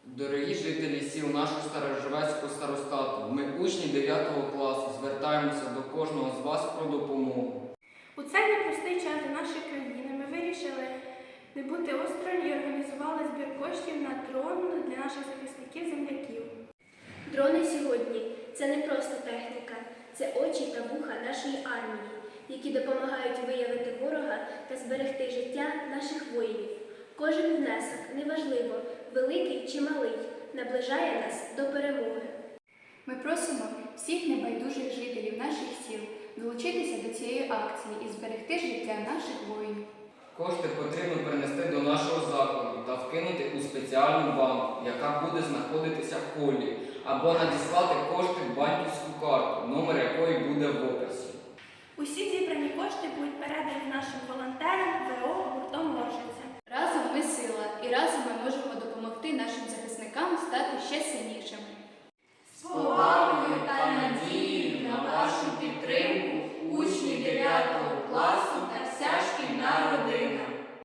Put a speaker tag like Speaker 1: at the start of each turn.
Speaker 1: Дорогі жителі сіл нашого Старожевецького старостату, ми, учні 9 класу, звертаємося до кожного з вас про допомогу.
Speaker 2: У цей непростий час для нашої країни ми вирішили не бути осторонь і організували збір коштів на дрон для наших захисників-земляків.
Speaker 3: Дрони сьогодні – це не просто техніка, це очі та вуха нашої армії, які допомагають виявити ворога та зберегти життя наших воїнів. Кожен внесок, неважливо, великий чи малий, наближає нас до перемоги.
Speaker 4: Ми просимо всіх небайдужих жителів наших сіл долучитися до цієї акції і зберегти життя наших воїнів.
Speaker 1: Кошти потрібно перенести до нашого закладу та вкинути у спеціальну банку, яка буде знаходитися в холі, або надіслати кошти в банківську карту, номер якої буде в описі.
Speaker 2: Усі зібрані кошти будуть передані нашим волонтерам ВО гуртом Воржиця.
Speaker 4: Разом ми сила і разом ми можемо допомогти нашим